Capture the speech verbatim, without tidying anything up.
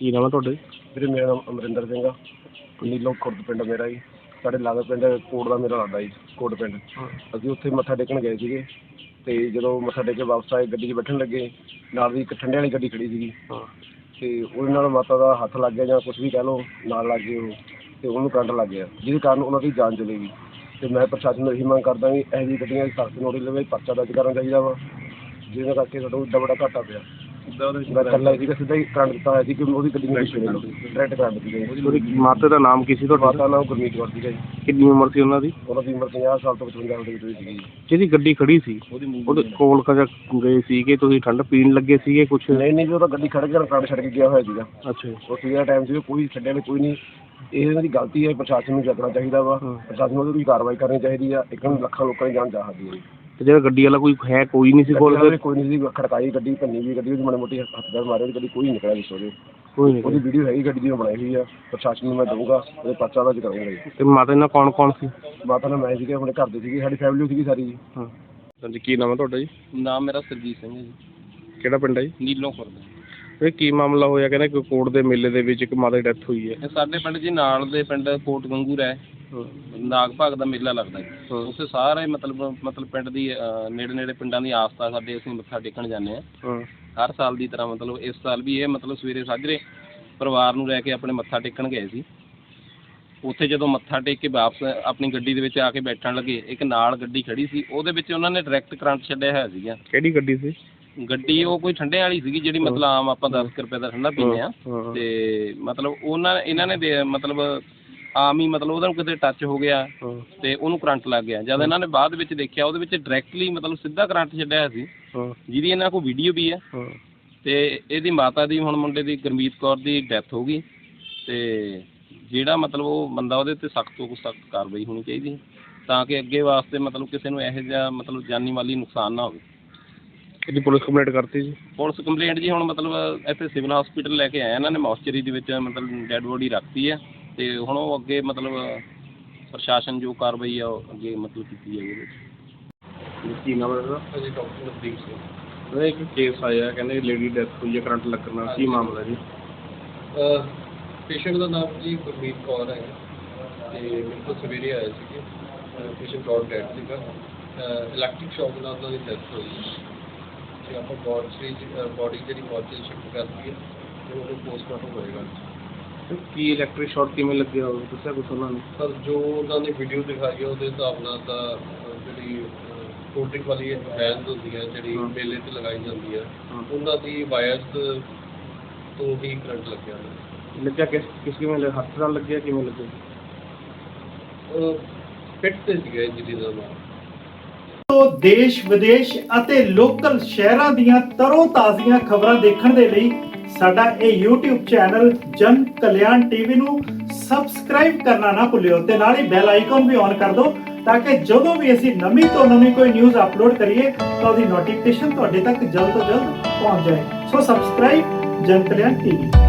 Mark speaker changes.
Speaker 1: ਕੀ ਨਾਮ ਹੈ ਤੁਹਾਡਾ ਜੀ?
Speaker 2: ਵੀਰੇ ਮੇਰਾ ਨਾਮ ਅਮਰਿੰਦਰ ਸਿੰਘ ਆ। ਨੀਲੋਂ ਖੁਰਦ ਪਿੰਡ ਮੇਰਾ ਜੀ। ਸਾਡੇ ਲਾਗੇ ਪਿੰਡ ਕੋਟ ਦਾ ਮੇਰਾ ਲੱਗਦਾ ਜੀ, ਕੋਟ ਪਿੰਡ। ਅਸੀਂ ਉੱਥੇ ਮੱਥਾ ਟੇਕਣ ਗਏ ਸੀਗੇ ਅਤੇ ਜਦੋਂ ਮੱਥਾ ਟੇਕ ਕੇ ਵਾਪਸ ਆਏ ਗੱਡੀ 'ਚ ਬੈਠਣ ਲੱਗੇ, ਨਾਲ ਦੀ ਇੱਕ ਠੰਡੇ ਵਾਲੀ ਗੱਡੀ ਖੜੀ ਸੀਗੀ ਅਤੇ ਉਹਦੇ ਨਾਲ ਮਾਤਾ ਦਾ ਹੱਥ ਲੱਗ ਗਿਆ ਜਾਂ ਕੁਛ ਵੀ ਕਹਿ ਲਓ, ਨਾਲ ਲੱਗ ਗਏ ਉਹ ਅਤੇ ਉਹਨੂੰ ਕਰੰਟ ਲੱਗ ਗਿਆ, ਜਿਹਦੇ ਕਾਰਨ ਉਹਨਾਂ ਦੀ ਜਾਨ ਚਲੀ ਗਈ। ਅਤੇ ਮੈਂ ਪ੍ਰਸ਼ਾਸਨ ਨੂੰ ਇਹੀ ਮੰਗ ਕਰਦਾ ਵੀ ਇਹੋ ਜਿਹੀ ਗੱਡੀਆਂ ਦੀ ਸਖਤ ਨੋਟਿਸ ਲਵੇ, ਪਰਚਾ ਦਰਜ ਕਰਨਾ ਚਾਹੀਦਾ ਵਾ, ਜਿਹਦੇ ਕਰਕੇ ਸਾਡਾ ਇੱਡਾ ਬੜਾ ਘਾਟਾ ਪਿਆ। ਮੈਂ ਇਕੱਲਾ ਸੀਗਾ, ਸਿੱਧਾ ਹੀ ਕਰੰਟ ਦਿੱਤਾ ਹੋਇਆ ਸੀ ਕਿ ਉਹਦੀ ਗੱਡੀ ਨੂੰ ਪਿੱਛੇ ਲੈ ਡਾਇਰੈਕਟ ਕਰੰਟ ਦਿੱਤੀ ਗਈ।
Speaker 1: ਉਹਦੀ ਮਾਤਾ ਦਾ ਨਾਮ ਕੀ ਸੀ ਤੁਹਾਡਾ?
Speaker 2: ਮਾਤਾ ਨਾਮ ਗੁਰਮੀਤ ਕੌਰ ਸੀਗਾ ਜੀ।
Speaker 1: ਕਿੰਨੀ ਉਮਰ ਸੀ ਉਹਨਾਂ ਦੀ?
Speaker 2: ਉਹਨਾਂ ਦੀ ਉਮਰ ਪੰਜਾਹ ਸਾਲ ਤੋਂ ਪਚਵੰਜਾ ਸਾਲ ਦੇ ਵਿੱਚ ਹੋਈ ਸੀਗੀ।
Speaker 1: ਜਿਹਦੀ ਗੱਡੀ ਖੜੀ ਸੀ ਉਹਦੇ ਕੋਲ ਕਜਾ ਗਏ ਸੀਗੇ ਤੁਸੀਂ, ਠੰਡ ਪੀਣ ਲੱਗੇ ਸੀਗੇ ਕੁਛ?
Speaker 2: ਨਹੀਂ ਨਹੀਂ ਜੀ, ਉਹ ਤਾਂ ਗੱਡੀ ਖੜ੍ਹ ਕੇ ਕਰੰਟ ਛੱਡ ਕੇ ਗਿਆ ਹੋਇਆ ਸੀਗਾ।
Speaker 1: ਅੱਛਾ ਜੀ।
Speaker 2: ਉਹ ਸੀਗਾ ਟਾਈਮ ਸੀ, ਕੋਈ ਛੱਡਿਆ ਨਹੀਂ, ਕੋਈ ਨਹੀਂ। ਇਹ ਇਹਨਾਂ ਦੀ ਗਲਤੀ ਹੈ, ਪ੍ਰਸ਼ਾਸਨ ਨੂੰ ਚੱਕਣਾ ਚਾਹੀਦਾ ਵਾ, ਪ੍ਰਸ਼ਾਸਨ ਨੂੰ ਉਹਦੀ ਕੋਈ ਕਾਰਵਾਈ ਕਰਨੀ ਚਾਹੀਦੀ ਆ। ਇੱਕ ਨੂੰ ਲੱਖਾਂ ਲੋਕਾਂ ਦੀ ਜਾਨ ਜਾ ਸਕਦੀ ਹੈ।
Speaker 1: ਤੇ ਜਿਹੜਾ ਗੱਡੀ ਵਾਲਾ ਕੋਈ ਹੈ ਕੋਈ ਨਹੀਂ ਸੀ ਕੋਲ?
Speaker 2: ਕੋਈ ਨਹੀਂ ਸੀ, ਖੜਕਾਈ ਗੱਡੀ, ਭੰਨੀ ਵੀ ਗੱਡੀ, ਉਹਦੀ ਮਾੜੀ ਮੋਟੀ ਹੱਥ ਪੈਰ ਮਾਰੇ, ਗੱਡੀ ਕੋਈ ਨਹੀਂ ਨਿਕਲਿਆ ਵਿੱਚ ਉਹਦੇ।
Speaker 1: ਕੋਈ ਨਹੀਂ।
Speaker 2: ਉਹਦੀ ਵੀਡੀਓ ਹੈਗੀ ਗੱਡੀ ਦੀ, ਮੈਂ ਬਣਾਈ ਹੋਈ ਆ। ਪ੍ਰਸ਼ਾਸਨ ਨੂੰ ਮੈਂ ਦਊਂਗਾ, ਉਹਦੇ ਪਰਚਾ ਦਰਜ ਕਰਾਂਗਾ ਜੀ।
Speaker 1: ਤੇ ਮਾਤਾ ਨਾਲ ਕੌਣ ਕੌਣ ਸੀ?
Speaker 2: ਮਾਤਾ ਨਾਲ ਮੈਂ ਸੀਗੇ, ਆਪਣੇ ਘਰ ਦੇ ਸੀਗੇ, ਸਾਡੀ ਫੈਮਿਲੀ ਸੀਗੀ ਸਾਰੀ ਜੀ।
Speaker 1: ਹਾਂ ਹਾਂਜੀ, ਕੀ ਨਾਮ ਹੈ ਤੁਹਾਡਾ ਜੀ?
Speaker 3: ਨਾਮ ਮੇਰਾ ਸਰਜੀਤ ਸਿੰਘ ਹੈ ਜੀ।
Speaker 1: ਕਿਹੜਾ ਪਿੰਡ ਹੈ ਜੀ?
Speaker 3: ਨੀਲੋਂ ਖੁਰਦ।
Speaker 1: ਇਹ ਕੀ ਮਾਮਲਾ ਹੋਇਆ? ਕਹਿੰਦੇ ਕਿ ਕੋਟ ਦੇ ਮੇਲੇ ਦੇ ਵਿੱਚ ਇੱਕ ਮਾਤਾ ਦੀ ਡੈਥ ਹੋਈ ਹੈ।
Speaker 3: ਇਹ ਸਾਡੇ ਪਿੰਡ ਜੀ ਨਾਲ ਦੇ ਪਿੰਡ ਕੋਟ ਗੰਗੂ ਹੈ, ਨਾਗ ਭਾਗ ਦਾ ਮੇਲਾ ਲੱਗਦਾ ਜੀ। ਉੱਥੇ ਸਾਰੇ ਮਤਲਬ ਮਤਲਬ ਪਿੰਡ ਦੀ ਨੇੜੇ ਨੇੜੇ ਪਿੰਡਾਂ ਦੀ ਆਸਥਾ ਸਾਡੇ, ਅਸੀਂ ਮੱਥਾ ਟੇਕਣ ਜਾਂਦੇ ਹਾਂ ਹਰ ਸਾਲ ਦੀ ਤਰ੍ਹਾਂ। ਮਤਲਬ ਇਸ ਸਾਲ ਵੀ ਇਹ ਮਤਲਬ ਸਵੇਰੇ ਸਾਜਰੇ ਪਰਿਵਾਰ ਨੂੰ ਲੈ ਕੇ ਆਪਣੇ ਮੱਥਾ ਟੇਕਣ ਗਏ ਸੀ। ਉੱਥੇ ਜਦੋਂ ਮੱਥਾ ਟੇਕ ਕੇ ਵਾਪਸ ਆਪਣੀ ਗੱਡੀ ਦੇ ਵਿੱਚ ਆ ਕੇ ਬੈਠਣ ਲੱਗੇ, ਇੱਕ ਨਾਲ ਗੱਡੀ ਖੜੀ ਸੀ, ਉਹਦੇ ਵਿੱਚ ਉਹਨਾਂ ਨੇ ਡਾਇਰੈਕਟ ਕਰੰਟ ਛੱਡਿਆ ਹੋਇਆ ਸੀਗਾ।
Speaker 1: ਕਿਹੜੀ ਗੱਡੀ ਸੀ?
Speaker 3: ਗੱਡੀ ਉਹ ਕੋਈ ਠੰਡੇ ਵਾਲੀ ਸੀਗੀ, ਜਿਹੜੀ ਮਤਲਬ ਆਮ ਆਪਾਂ ਦਸ ਕੁ ਰੁਪਏ ਦਾ ਠੰਡਾ ਪੀਂਦੇ ਹਾਂ। ਤੇ ਮਤਲਬ ਉਹਨਾਂ ਇਹਨਾਂ ਨੇ ਦੇ ਮਤਲਬ ਆਮ ਹੀ ਮਤਲਬ ਉਹਦਾ ਕਿਤੇ ਟੱਚ ਹੋ ਗਿਆ ਤੇ ਉਹਨੂੰ ਕਰੰਟ ਲੱਗ ਗਿਆ। ਜਦ ਇਹਨਾਂ ਨੇ ਬਾਅਦ ਵਿੱਚ ਦੇਖਿਆ, ਉਹਦੇ ਵਿੱਚ ਡਾਇਰੈਕਟਲੀ ਮਤਲਬ ਸਿੱਧਾ ਕਰੰਟ ਛੱਡਿਆ ਹੋਇਆ ਸੀ, ਜਿਹਦੀ ਇਹਨਾਂ ਕੋਲ ਵੀਡੀਓ ਵੀ ਹੈ। ਤੇ ਇਹਦੀ ਮਾਤਾ ਦੀ, ਹੁਣ ਮੁੰਡੇ ਦੀ ਗੁਰਮੀਤ ਕੌਰ ਦੀ ਡੈਥ ਹੋ ਗਈ। ਤੇ ਜਿਹੜਾ ਮਤਲਬ ਉਹ ਬੰਦਾ, ਉਹਦੇ 'ਤੇ ਸਖਤ ਤੋਂ ਸਖਤ ਕਾਰਵਾਈ ਹੋਣੀ ਚਾਹੀਦੀ, ਤਾਂ ਕਿ ਅੱਗੇ ਵਾਸਤੇ ਮਤਲਬ ਕਿਸੇ ਨੂੰ ਇਹੋ ਜਿਹਾ ਮਤਲਬ ਜਾਨੀ ਮਾਲੀ ਨੁਕਸਾਨ ਨਾ ਹੋਵੇ।
Speaker 1: ਇਹਦੀ ਪੁਲਿਸ ਕੰਪਲੇਂਟ ਕਰਤੀ ਜੀ? ਪੁਲਿਸ
Speaker 3: ਕੰਪਲੇਂਟ ਜੀ ਹੁਣ ਮਤਲਬ ਇੱਥੇ ਸਿਵਲ ਹਸਪੀਟਲ ਲੈ ਕੇ ਆਏ ਇਹਨਾਂ ਨੇ, ਮੌਸਚਰੀ ਦੇ ਵਿੱਚ ਮਤਲਬ ਡੈਡ ਬੋਡੀ ਰੱਖਤੀ ਹੈ। ਤੇ ਹੁਣ ਉਹ ਅੱਗੇ ਮਤਲਬ ਪ੍ਰਸ਼ਾਸਨ ਜੋ ਕਾਰਵਾਈ ਆ ਉਹ ਅੱਗੇ ਮਤਲਬ ਕੀਤੀ ਜਾਏਗੀ ਉਹਦੇ ਵਿੱਚ।
Speaker 1: ਕੀ ਨਾਮ ਹੈ ਇਹਦਾ?
Speaker 3: ਹਾਂਜੀ, ਡਾਕਟਰ ਨਵਦੀਪ ਸਿੰਘ।
Speaker 1: ਉਹਦਾ ਇੱਕ ਕੇਸ ਆਇਆ, ਕਹਿੰਦੇ ਲੇਡੀ ਡੈਥ ਹੋਈ ਹੈ ਕਰੰਟ ਲੱਗਣ ਨਾਲ, ਕੀ ਮਾਮਲਾ ਜੀ?
Speaker 4: ਪੇਸ਼ੈਂਟ ਦਾ ਨਾਮ ਜੀ ਗੁਰਮੀਤ ਕੌਰ ਹੈ ਅਤੇ ਮੇਰੇ ਕੋਲ ਸਵੇਰੇ ਆਏ ਸੀਗੇ। ਪੇਸ਼ੈਂਟ ਕੌਰ ਡੈਡ ਸੀਗਾ, ਇਲੈਕਟ੍ਰਿਕ ਸ਼ੌਕ ਨਾਲ ਉਹਨਾਂ ਦੀ ਡੈਥ ਹੋਈ। ਅਤੇ ਆਪਾਂ ਬੋਡੀ ਬੋਡੀ ਜਿਹੜੀ ਮੋਰਚੇ ਸ਼ਿਫਟ ਕਰਤੀ ਹੈ ਅਤੇ ਉਹਨੂੰ ਪੋਸਟਮਾਰਟਮ ਹੋਏਗਾ।
Speaker 1: ਕੀ ਇਲੈਕਟ੍ਰਿਕ ਸ਼ਾਰਟ ਕਿਵੇਂ ਲੱਗਿਆ ਉਹ ਦੱਸਿਆ ਕੁਛ ਉਹਨਾਂ ਨੇ?
Speaker 4: ਸਰ ਜੋ ਉਹਨਾਂ ਨੇ ਵੀਡੀਓ ਦਿਖਾਈ ਹੈ ਉਹਦੇ ਹਿਸਾਬ ਨਾਲ ਤਾਂ ਜਿਹੜੀ ਕੋਲਡ ਡਰਿੰਕ ਵਾਲੀ ਵੈਨਸ ਹੁੰਦੀ ਹੈ ਜਿਹੜੀ ਮੇਲੇ 'ਤੇ ਲਗਾਈ ਜਾਂਦੀ ਹੈ, ਉਹਨਾਂ ਦੀ ਵਾਇਰਸ ਤੋਂ ਹੀ ਕਰੰਟ ਲੱਗਿਆ।
Speaker 1: ਲੱਗਿਆ ਕਿਸ ਕਿਸ ਕਿਵੇਂ ਹੱਥ ਨਾਲ ਲੱਗਿਆ, ਕਿਵੇਂ ਲੱਗਿਆ?
Speaker 4: ਫਿੱਟ 'ਤੇ ਸੀਗਾ ਇੰਜਰੀ ਦਾ ਨਾਮ।
Speaker 5: ਦੇਸ਼ ਵਿਦੇਸ਼ ਅਤੇ ਲੋਕਲ ਸ਼ਹਿਰਾਂ ਦੀਆਂ ਤਰੋ ਤਾਜ਼ੀਆਂ ਖਬਰਾਂ ਦੇਖਣ ਦੇ ਲਈ ਸਾਡਾ ਇਹ YouTube ਚੈਨਲ ਜਨ ਕਲਿਆਣ ਟੀਵੀ ਨੂੰ ਸਬਸਕ੍ਰਾਈਬ ਕਰਨਾ ਨਾ ਭੁੱਲਿਓ ਤੇ ਨਾਲ ਹੀ ਬੈਲ ਆਈਕਨ ਵੀ ਔਨ ਕਰ ਦਿਓ, ਤਾਂ ਕਿ ਜਦੋਂ ਵੀ ਅਸੀਂ ਨਵੀਂ ਤੋਂ ਨਵੀਂ ਕੋਈ ਨਿਊਜ਼ ਅਪਲੋਡ ਕਰੀਏ ਤਾਂ ਉਹਦੀ ਨੋਟੀਫਿਕੇਸ਼ਨ ਤੁਹਾਡੇ ਤੱਕ ਜਲਦ ਤੋਂ ਜਲਦ ਪਹੁੰਚ ਜਾਏ। ਸੋ ਸਬਸਕ੍ਰਾਈਬ ਜਨ ਕਲਿਆਣ ਟੀਵੀ।